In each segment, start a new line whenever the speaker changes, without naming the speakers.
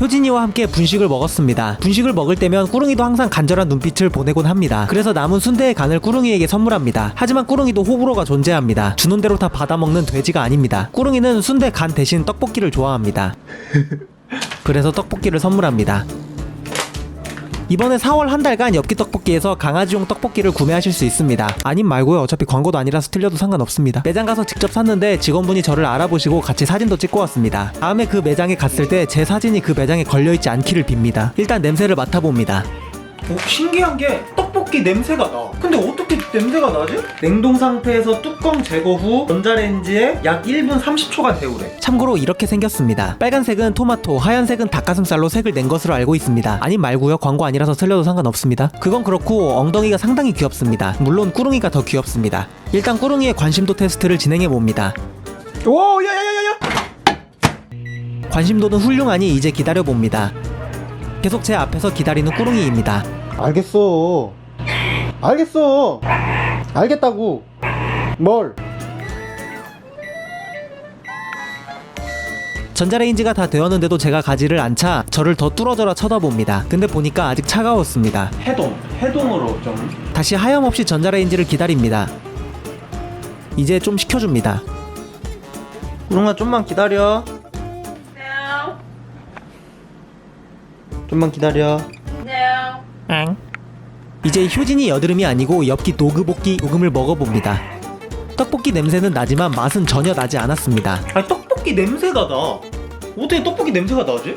효진이와 함께 분식을 먹었습니다. 분식을 먹을 때면 꾸릉이도 항상 간절한 눈빛을 보내곤 합니다. 그래서 남은 순대의 간을 꾸릉이에게 선물합니다. 하지만 꾸릉이도 호불호가 존재합니다. 주는 대로 다 받아먹는 돼지가 아닙니다. 꾸릉이는 순대 간 대신 떡볶이를 좋아합니다. 그래서 떡볶이를 선물합니다. 이번에 4월 한 달간 엽기 떡볶이에서 강아지용 떡볶이를 구매하실 수 있습니다. 아님 말고요. 어차피 광고도 아니라서 틀려도 상관없습니다. 매장 가서 직접 샀는데 직원분이 저를 알아보시고 같이 사진도 찍고 왔습니다. 다음에 그 매장에 갔을 때 제 사진이 그 매장에 걸려있지 않기를 빕니다. 일단 냄새를 맡아봅니다. 신기한 게 떡볶이 냄새가 나. 근데 어떻게 냄새가 나지? 냉동 상태에서 뚜껑 제거 후 전자레인지에 약 1분 30초간 데우래. 참고로 이렇게 생겼습니다. 빨간색은 토마토, 하얀색은 닭가슴살로 색을 낸 것으로 알고 있습니다. 아님 말고요. 광고 아니라서 틀려도 상관없습니다. 그건 그렇고 엉덩이가 상당히 귀엽습니다. 물론 꾸릉이가 더 귀엽습니다. 일단 꾸릉이의 관심도 테스트를 진행해봅니다. 오, 야야야야야! 관심도는 훌륭하니 이제 기다려봅니다. 계속 제 앞에서 기다리는 꾸릉이입니다.
알겠어. 알겠다고. 뭘?
전자레인지가 다 되었는데도 제가 가지를 않자 저를 더 뚫어져라 쳐다봅니다. 근데 보니까 아직 차가웠습니다. 해동으로 좀. 다시 하염없이 전자레인지를 기다립니다. 이제 좀 식혀줍니다. 꾸릉아 좀만 기다려. 좀만 기다려. 이제 효진이 여드름이 아니고 엽기 도그볶이 요금을 먹어봅니다. 떡볶이 냄새는 나지만 맛은 전혀 나지 않았습니다. 아니 떡볶이 냄새가 나. 어떻게 떡볶이 냄새가 나지?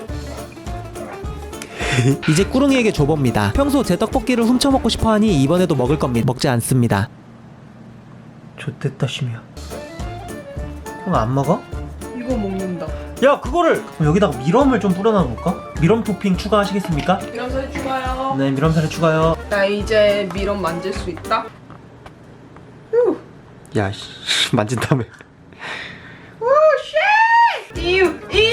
이제 꾸릉이에게 줘봅니다. 평소 제 떡볶이를 훔쳐먹고 싶어하니 이번에도 먹을 겁니다. 먹지 않습니다. 좋댔다 심이야. 형 안 먹어?
이거 먹는다.
야 그거를 여기다가 미럼을 좀 뿌려놔볼까? 미럼 토핑 추가하시겠습니까?
미럼살 추가요.
네 미럼살에 추가요.
나 이제 미럼 만질 수 있다.
야 만진다며.
오 쉣! 이유.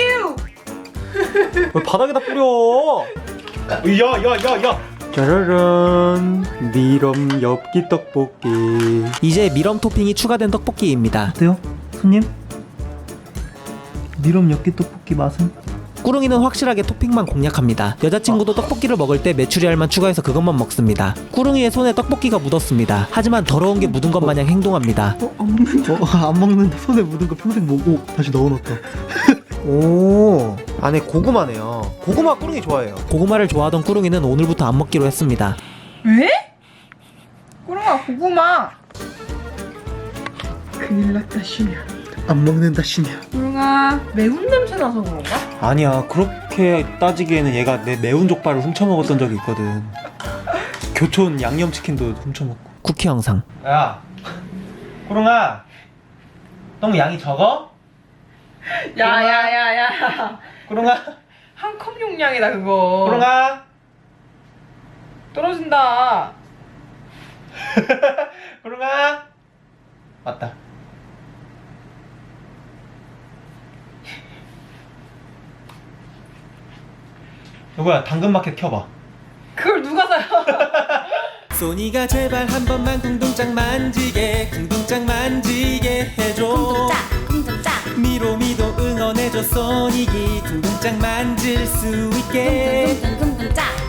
왜 바닥에다 뿌려? 야야야야.
짜라란 미럼 엽기 떡볶이.
이제 미럼 토핑이 추가된 떡볶이입니다. 어때요? 손님? 미럼 엽기 떡볶이 맛은? 꾸릉이는 확실하게 토핑만 공략합니다. 여자친구도 떡볶이를 먹을 때 메추리알만 추가해서 그것만 먹습니다. 꾸릉이의 손에 떡볶이가 묻었습니다. 하지만 더러운 게 묻은 것 마냥 행동합니다.
안 먹는다. 손에 묻은 거 평생 먹고 다시 넣어놓다.
오, 안에 고구마네요. 고구마 꾸릉이 좋아해요. 고구마를 좋아하던 꾸릉이는 오늘부터 안 먹기로 했습니다.
왜? 꾸릉아 고구마. 큰일 났다 심이야.
안 먹는다 신이야.
꾸릉아 매운 냄새 나서 그런가?
아니야, 그렇게 따지기에는 얘가 내 매운 족발을 훔쳐먹었던 적이 있거든. 교촌 양념치킨도 훔쳐먹고. 쿠키 영상. 야, 꾸릉아, 너무 양이 적어?
야야야야.
꾸릉아,
한 컵 용량이다 그거.
꾸릉아,
떨어진다.
꾸릉아. 맞다. 여보야, 당근마켓 켜봐.
그걸 누가 사요?
소니가 제발 한 번만 궁둥짝 만지게 해줘.
궁둥짝
미로미도 응원해줘. 소닉이 궁둥짝 만질 수 있게.
궁둥짝